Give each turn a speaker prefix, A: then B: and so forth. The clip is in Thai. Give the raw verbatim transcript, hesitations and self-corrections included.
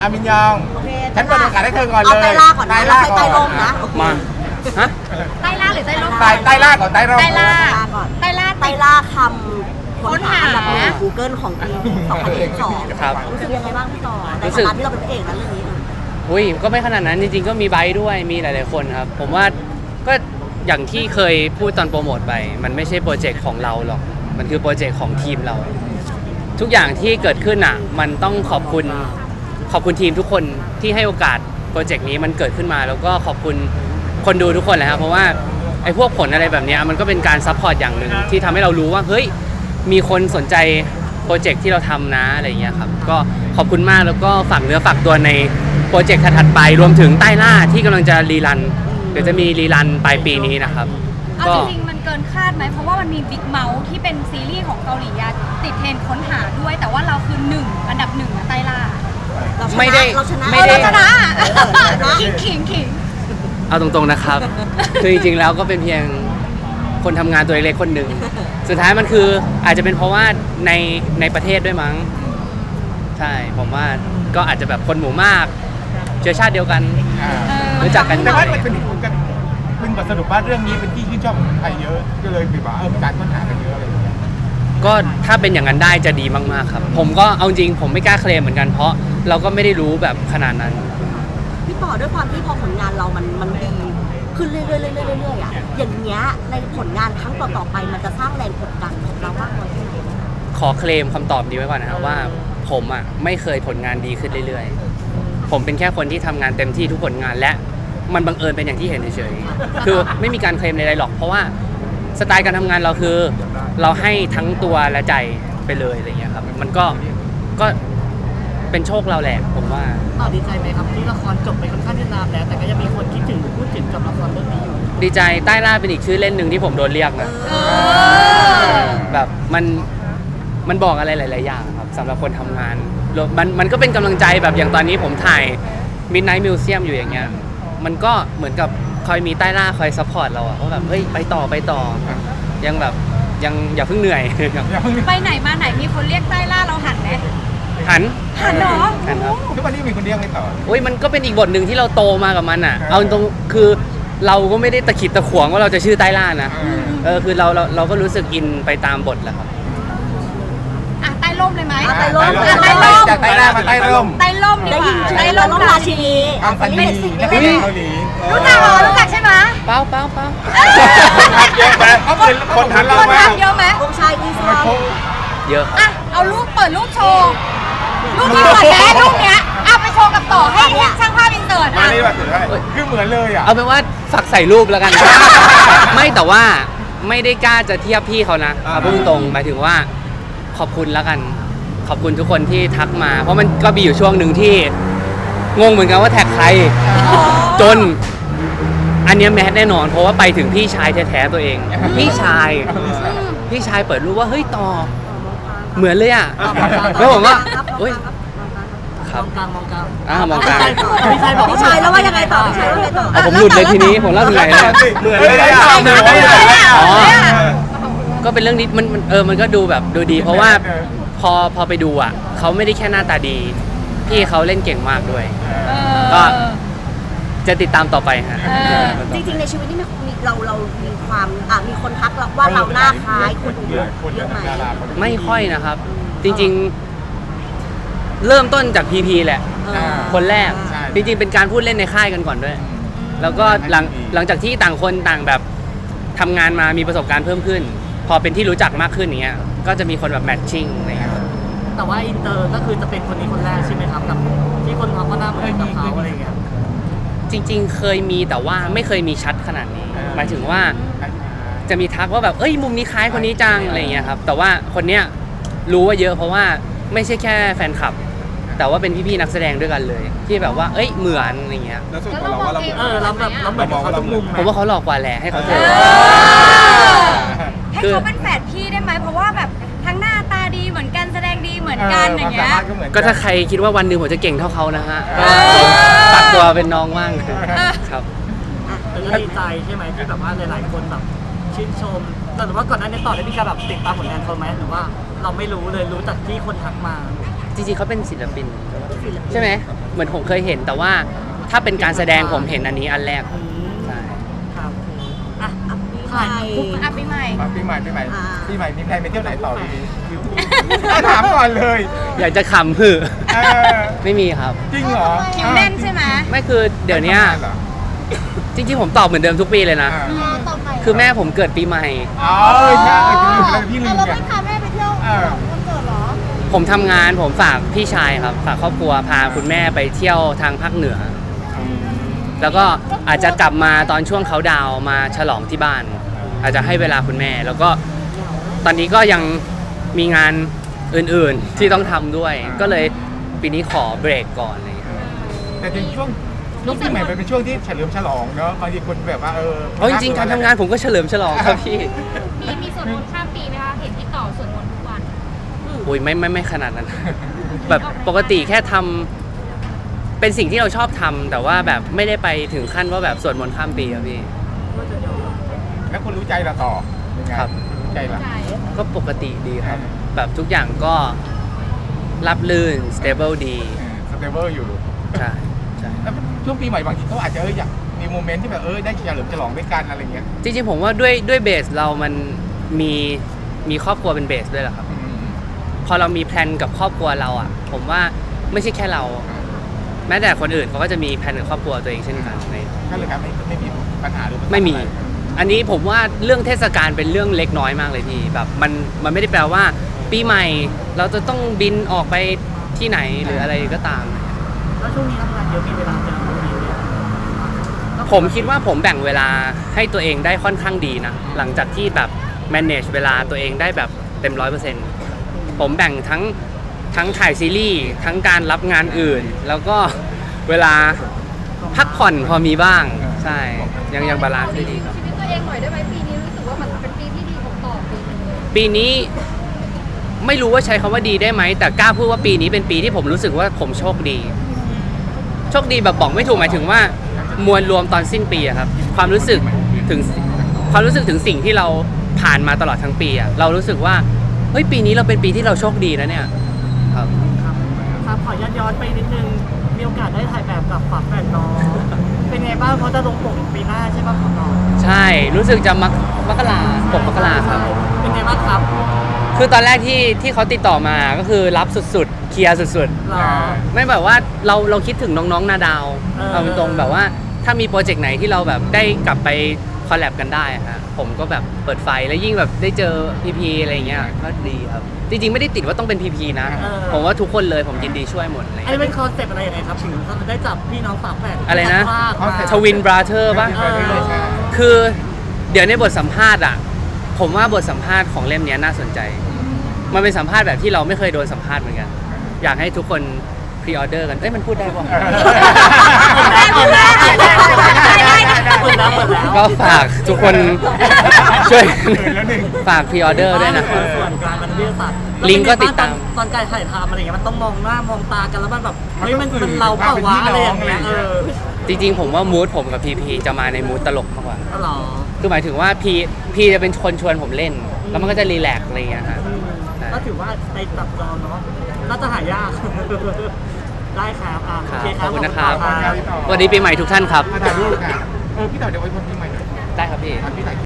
A: อามินยอง
B: โอเค
A: ฉันเปิดโอกาสให้เธอก่อนเลย
B: เอาไตล่าก่อนนะ
A: ไตล่า
B: แล้วค่อยไตลมนะ
C: มาฮะ
D: ใต้ล่าหรือใต้ร่ม
A: ไตไตล่าก่อนไตร่ม
D: ใต้ล่า
B: ก่อน
D: ใต้ล่า
B: ไตล่าคำค้นหาอันดับหนึ่ง Google ของปีสองพันยี่สิบสอง
C: ครับ
B: รู้สึกยังไงบ้างพี่ต่อใน
C: รู้สึ
B: ฐาก นะที่เราเป็นพระเอกนะเรื่องนี้
C: อุ้ยก็ไม่ขนาดนั้นจริงๆก็มีไบค์ด้วยมีหลายๆคนครับ ผมว่าก็อย่างที่เคยพูดตอนโปรโมทไป มันไม่ใช่โปรเจกต์ของเราหรอก มันคือโปรเจกต์ของทีมเรา ทุกอย่างที่เกิดขึ้นอ่ะมันต้องขอบคุณขอบคุณทีมทุกคนที่ให้โอกาสโปรเจกต์นี้มันเกิดขึ้นมา แล้วก็ขอบคุณคนดูทุกคนแหละครับเพราะว่าไอ้พวกผลอะไรแบบเนี้ยมันก็เป็นการซัพพอร์ตอย่างหนึ่งที่ทำให้เรารู้ว่าเฮ้ยมีคนสนใจโปรเจกต์ที่เราทำนะอะไรอย่างเงี้ยครับก็ขอบคุณมากแล้วก็ฝากเนื้อฝากตัวในโปรเจกต์ถัดๆไปรวมถึงใต้ล่าที่กำลังจะรีรันเดี๋ยวจะมีรีรันปลายปีนี้นะครับ
D: เอา
C: ก็
D: จริงๆมันเกินคาดไหมเพราะว่ามันมีบิ๊กเมาส์ที่เป็นซีรีส์ของเกาหลีอะติดเทรนด์ค้นหาด้วย แต่ว่าเราคือหนึ่งอันดับหนึ่งอะใต้ล่า
B: เราชนะ
C: ไม่ได้
B: เราชนะ
C: ไม่
D: เออ
C: ได้
D: เราชนะ
B: เออชนะ
D: ขิงขิงขิง
C: เอาตรงๆนะครับ คือจริงๆแล้วก็เป็นเพียงคนทำงานตัวเล็กๆคนหนึ่งสุดท้ายมันคืออาจจะเป็นเพราะว่าในในประเทศด้วยมั้งใช่ผมว่าก็อาจจะแบบคนหมู่มากเชื้อชาติเดียวกัน
A: อ่า
D: เออ
C: รู้จักกัน
A: แต่ว่ามันเป็นกันเป็นบทสรุปว่าเรื่องนี้เป็นที่ชื่นชอบของคนไทยเยอะก็เลยแบบว่าเออมีการค้นหากันเยอะอะไรอย่างเงี้ย
C: ก็ถ้าเป็นอย่างนั้นได้จะดีมากๆครับ ผมก็เอาจริงผมไม่กล้าเคลมเหมือนกันเพราะเราก็ไม่ได้รู้แบบขนาดนั้น
B: พี่ต่อด้วยความที่พอผลงานเรามันมันดีขึ้นเรื่อยๆเรื่อยๆเรื่อยๆอ่ะอย่างเงี้ยในผลงานครั้งต่อๆไปมันจะสร้างแรงกดดันของเรามากน้อยแค่ไหน
C: ขอเคลมคำตอบนี้ไว้ก่อนนะครับว่าผมอ่ะไม่เคยผลงานดีขึ้นเรื่อยๆ ผมเป็นแค่คนที่ทำงานเต็มที่ทุกผลงานและมันบังเอิญเป็นอย่างที่เห็นเฉยๆ คือไม่มีการเคลมใดๆหรอกเพราะว่าสไตล์การทำงานเราคือเราให้ทั้งตัวและใจไปเลยอะไรเงี้ยครับมันก็ก็เป็นโชคเราแหละผมว่า
E: ต่อดีใจไหมครับที่ละครจบไปค่อนข้างที่นานแล้ว แต่ก็ยังมีคนคิดถึงพูดถึงกับละครเรื่องนี้อยู่
C: ดีใจใต้ล่าเป็นอีกชื่อเล่นหนึ่งที่ผมโดนเรียกนะ
D: เออ
C: แบบมันมันบอกอะไรหลายๆอย่างครับสำหรับคนทำงานรวมมันมันก็เป็นกำลังใจแบบอย่างตอนนี้ผมถ่าย Midnight Museum อยู่อย่างเงี้ยมันก็เหมือนกับคอยมีใต้ล่าคอยซัพพอร์ตเราอะว่าแบบเฮ้ยไปต่อไปต่อ ยังแบบยังอย่าเพิ่งเหนื่อย
D: ไปไหนมาไหนมีคนเรียกใต้ล่าเราหันไหม
C: หัน
D: หันเหรอ
C: หันครับ
A: ทุกวันนี้มีคนเรียกไม่ต่อ
C: โอ้ยมันก็เป็นอีกบทหนึ่งที่เราโตมากับมันอ่ะ เอาตรงคือเราก็ไม่ได้ตะขิดตะขวงว่าเราจะชื่อใต้ล่านะ
A: อืม
C: เออคือเราเราเราก็รู้สึกอินไปตามบทแหละครับ
D: อ่ะใต้ร่มเลยไหม
B: อ่ะใต้ร่ม
D: อ่ะใต้ร่ม
A: จากใต้ล่ามาใต้ร่ม
D: ใต้ร่มดี
B: ได้
D: ก
B: ยิ
D: ว่าน
B: ชื่
D: ใต้
B: อ
D: ร่
B: เรา
D: ม
B: ต้องราชินี
A: อังซันนีนักแสดงเกาหลี
D: รู้จักเหรอรู้จักใช่ไหม
C: เป้าเป้าเป้า
A: เยอะไหมเขาเป็นคนทันเรา
D: คน
A: มาก
D: ทำเยอะไหม
B: องค์ชายอีสาน
C: เยอะ
D: อ่ะเอารูปเปิดรูปโชว์รูปนี้ก่อนแม่รูปเนี้ยเอาไปโชว์กับต่อให้ช่างภาพอินเสิร์ต
A: มา
D: อ่ะ
A: นี่แบบถือให้คือเหมือนเลยอ่ะ
C: เอาเป็นว่าฝากใส่รูปแล้วกัน ไม่แต่ว่าไม่ได้กล้าจะเทียบพี่เขานะ
A: อ่า
C: เอาพูดตรงๆหมายถึงว่าขอบคุณแล้วกัน ขอบคุณทุกคนที่ทักมา เพราะมันก็มีอยู่ช่วงหนึ่งที่งงเหมือนกันว่าแท็กใคร จนอันเนี้ยแมสแน่นอนเพราะว่าไปถึงพี่ชายแท้ๆตัวเอง พี่ชาย พี่ชายเปิดรูปว่าเฮ้ยต่อเหมือนเลยอ่ะแล้วผมว่าเฮ้ยค
E: ม
C: รับ
E: องกลางมองกลาง
C: อ่ามองกลาง
E: พี่ชายบอก
B: พี่ชายแล้วว่ายังไงต่อพี่ชายว่ายังไงต่อ
C: เอาผมหลุดเลยทีนี้ผมเล่าถึงไหนแล้ว
A: เหมือนเลยอ่ะเหมือนเลยอ่ะ
C: อ๋อ ก็เป็นเรื่องนี้มันมันเออมันก็ดูแบบดูดี เพราะว่าพอพอไปดูอ่ะเขาไม่ได้แค่หน้าตาดี พี่เขาเล่นเก่งมากด้วย
D: เออ
C: ก็ จะติดตามต่อไปฮะ
D: เออ
B: จริงๆในชีวิตนี่มีมีเราเรามีความอ่ะมีคนทักเราว่าเราหน้าคล้ายคนอื่นเยอะไหม
C: ไม่ค่อยนะครับ จริงๆ เริ่มต้นจากพีพีแหละ คนแรก
A: ใช่
C: จริงๆ เป็นการพูดเล่นในค่ายกันก่อนด้วย แล้วก็หลังหลังจากที่ต่างคนต่างแบบทำงานมามีประสบการณ์เพิ่มขึ้น พอเป็นที่รู้จักมากขึ้นอย่างเงี้ย ก็จะมีคนแบบแมทชิ่งอะไรเงี้ย
E: แต่ว่าอินเตอร์ก็คือจะเป็นคนนี้คนแรกใช่ไหมครับกับที่คนเขาก็หน้าเหมือนกับเขาอะไรอย่างเงี้ย
C: จริงๆ เคยมีแต่ว่าไม่เคยมีชัดขนาดนี้ หมายถึงว่าจะมีทักว่าแบบเอ้ยมุมนี้คล้ายคนนี้จังอะไรเงี้ยครับ แต่ว่าคนเนี้ยรู้ว่าเยอะเพราะว่าไม่ใช่แค่แฟนคลับ แต่ว่าเป็นพี่ๆนักแสดงด้วยกันเลย ที่แบบว่าเอ้ยเหมือนอะไรเงี้ย
A: แล้วส่วนตัวเราว่าเรา
E: เออเราแบบเราเหมือนเขาทุกมุมไหม
C: ผมว่าเขาหลอกกว่าแหละให้เขาเจ
D: เอ
C: อ
D: อให้เขาเป็นแฝดพี่ได้ไหมเพราะว่าแบบทั้งหน้าตาดีเหมือนกันแสดงดีเหมือนกันอย่างเงี้ย
C: ก็ถ้าใครคิดว่าวันหนึ่งผมจะเก่งเท่าเขานะฮะ
D: เอ
C: ก็
D: อ
C: ตัดตัวเป็นน้องว่างครับ
E: แต่ก็ดีใจใช่ไหมที่แบบว่าหลายๆคนแบบชื่นชม แต่ว่าก่อนหน้านี้ต่อได้มีการแบบติดตามผลงานเขาไหมหรือว่าเราไม่รู้เลยรู้จากที่คนทักมา
C: จริงๆเขาเป็นศิลปินใช่ไหมเหมือนผมเคยเห็นแต่ว่าถ้าเป็นการแสดงผมเห็นอันนี้อันแรกใช่
E: ครับอ่ะ
B: อ่ะปีให
E: ถ่าย
B: ม่
E: ปุ๊บ
D: อ่ะปีใหม่
A: มาปีใหม่ปีใหม่
B: อ่า
A: ปีใหม่มีใครไปเที่ยวไหนต่อดีถามก่อนเลย
C: อยากจะขำหือ
A: เออ
C: ไม่มีครับ
A: จริงเหรอ
D: คิวแน่นใช่ไหม
C: ไม่คือเดี๋ยวเนี้ย
A: เหรอ
C: จริงๆผมตอบเหมือนเดิมทุกปีเลยนะ
A: อ่า
B: ต่อไป
C: คือแม่ผมเกิดปีใหม่
A: อ๋อเออใช่เออลืมไปแล้วพี่ลืม
B: เรา
A: ไง
B: ไม่พาแม่ไปเที่ยว
A: เออ
B: วันเกิดเหรอ
C: ผมทำงานผมฝากพี่ชายครับ ฝากครอบครัวพาคุณแม่ไปเที่ยวทางภาคเหนือ แล้วก็อาจจะกลับมาตอนช่วงเขาดาวน์มาฉลองที่บ้าน อาจจะให้เวลาคุณแม่ แล้วก็ตอนนี้ก็ยังมีงานอื่นๆที่ต้องทำด้วย ก็เลยปีนี้ขอเบรกก่อนอะไรอย่างเลย
A: แต่จริงๆช่วงช่วงปีใหม่มันเป็นช่วงที่เฉลิมฉลองเนาะบางทีคนแบบว่าเออ
C: เพราะจริงๆการทำงานผมก็เฉลิมฉลองครับพี่
F: มีมีส่วนมนต์ข้ามปีไหมคะ เห็นที่ต่อส่วนมนต์ทุกวัน
C: โอ้ยไม่ไม่ไม่ขนาดนั้น แบบปกติแค่ทำเป็นสิ่งที่เราชอบทำแต่ว่าแบบไม่ได้ไปถึงขั้นว่าแบบสวดมนต์ข้ามปีครับพี่
A: แล้วคุณรู้ใจเราต่อยังไง
C: ครับ
A: รู้ใจเรา
F: ใจ
C: ก็ปกติดีครับ แบบทุกอย่างก็รับลื่น stable ดี
A: สเตเบิลอยู่
C: ใช่ใช่
A: แล้วช่วงปีใหม่บางทีเขาอาจจะเอออยากมีโมเมนต์ที่แบบเออได้เฉลิมฉลองด้วยกันอะไรเงี้ย
C: จริงๆผมว่าด้วยด้วยเบสเรามันมีมีครอบครัวเป็นเบสด้วยแหละครับ
A: อืม
C: พอเรามีแพลนกับครอบครัวเราอ่ะ ผมว่าไม่ใช่แค่เรา แม้แต่คนอื่นเขาก็จะมีแพลนกับครอบครัวตัวเองเช่นกันใน
A: ก็เลยครับไม่ไม่มีปัญหาหรือปัญหา
C: ไม่มี
A: อะร
C: อันนี้ผมว่าเรื่องเทศกาลเป็นเรื่องเล็กน้อยมากเลยพี่แบบมันมันไม่ได้แปลว่า ปีใหม่เราจะต้องบินออกไปที่ไหนหรืออะไรก็ตาม
E: แล้วช่วงนี้ทำงานเยอะมีเวลาเจอคนนี้ไหม
C: ผมคิดว่าผมแบ่งเวลาให้ตัวเองได้ค่อนข้างดีนะ หลังจากที่แบบ manage เวลาตัวเองได้แบบเต็มร้อยเปอร์เซ็นต์ผมแบ่งทั้งทั้งถ่ายซีรีส์ทั้งการรับงานอื่น แล้วก็เวลาพักผ่อนพอมีบ้าง ใช่ยังยังบาลานซ์ได้ดีครับ
F: ชีวิตตัวเองหน่อยได้ไหมปีนี้รู้สึกว่ามันเป็นปีที่ดีของต่อปีนึงเลย
C: ปีนี้ไม่รู้ว่าใช้คำว่าดีได้ไหม แต่กล้าพูดว่าปีนี้เป็นปีที่ผมรู้สึกว่าผมโชคดี โชคดีแบบบอกไม่ถูกหมายถึงว่ามวลรวมตอนสิ้นปีอะครับ ความรู้สึกถึงความรู้สึกถึงสิ่งที่เราผ่านมาตลอดทั้งปีอะเรารู้สึกว่าเฮ้ยปีนี้เราเป็นปีที่เราโชคดีนะเนี่ยครับ
E: ครับครับขอย้อนย้อนไปนิดนึงมีโอกาสได้ถ่ายแบบกับฝาแฝดน้องเป็นไงบ้างเพราะจะลงปกปีหน้าใช่ป่ะของน้อง
C: ใช่รู้สึกจะมักมกราปกมกราครับ
E: เป็นไงบ้างครับ
C: คือตอนแรกที่ที่เขาติดต่อมาก็คือรับสุดๆเคลียร์สุดๆ
E: หรอ
C: ไม่แบบว่าเราเราคิดถึงน้องๆนาดาว
E: เออ
C: เอาตรงๆแบบว่าถ้ามีโปรเจกต์ไหนที่เราแบบได้กลับไปคอลแลบกันได้อะฮะผมก็แบบเปิดไฟแล้วยิ่งแบบได้เจอพีพีอะไรอย่างเงี้ยก็ดีครับจริงๆไม่ได้ติดว่าต้องเป็นพีพีนะ ผมว่าทุกคนเลยผมยินดีช่วยหมดเลย
E: อันนี้เป็นคอนเซ็ปต์อะไรยังไงครับถึงเขาจะได้จับพี่น้องฝาแฝด
C: อะไรนะ
E: ภาคมา
C: ทวินบราเธอร์ป่ะ
A: เออใช่
C: คือเดี๋ยวในบทสัมภาษณ์อ่ะผมว่าบทสัมภาษณ์ของเล่มเนี้ยน่าสนใจ มันเป็นสัมภาษณ์แบบที่เราไม่เคยโดนสัมภาษณ์เหมือนกัน อยากให้ทุกคนพรีออเดอร์กันเอ้ยมันพูดได้ป่ะ
B: ได้พูดได้ได้ได้ได้ได้
E: เปิดแล้วเปิดแล้ว
C: ก็ฝากทุกคนช่วย
A: เปิดแล้วหนึ่ง
C: ฝากพรีออเดอร์ด้วยนะครับ
E: ส่วนกลางมันวิทยาศาสตร์
C: ลิงก์ก็ติดตาม
E: ตอนการถ่ายทำอะไรเงี้ยมันต้องมองหน้ามองตากันแล้วมันแบบเฮ้ยมันมันเราเปล่าวะอะไรอย่างเงี้ยเออ
C: จริงๆผมว่ามูดผมกับพีพีจะมาในมูดตลกมากกว่า
E: ก็หรอ
C: คือหมายถึงว่าพีพีจะเป็นคนชวนผมเล่น แล้วมันก็จะรีแลกซ์อะไรอย่างเงี้ยฮะ
E: ก็ถือว่าในตับจอเนาะน่าจะหายาก ได้ครับอ่ะ
C: ค
E: โอ
C: รับ
E: เคค
C: ข
E: รั
C: อ
E: บบ
C: คุณนะครับ
E: ขอบณ
C: สวัสดีปีใหม่ทุกท่านครับ
A: มาถ่ายรูปค่ะเออพี่ต่อเดี๋ยวไว้พรปีใหม่หน่อย
C: ได้ครับพี่
A: อ่ะพี่ถ่าย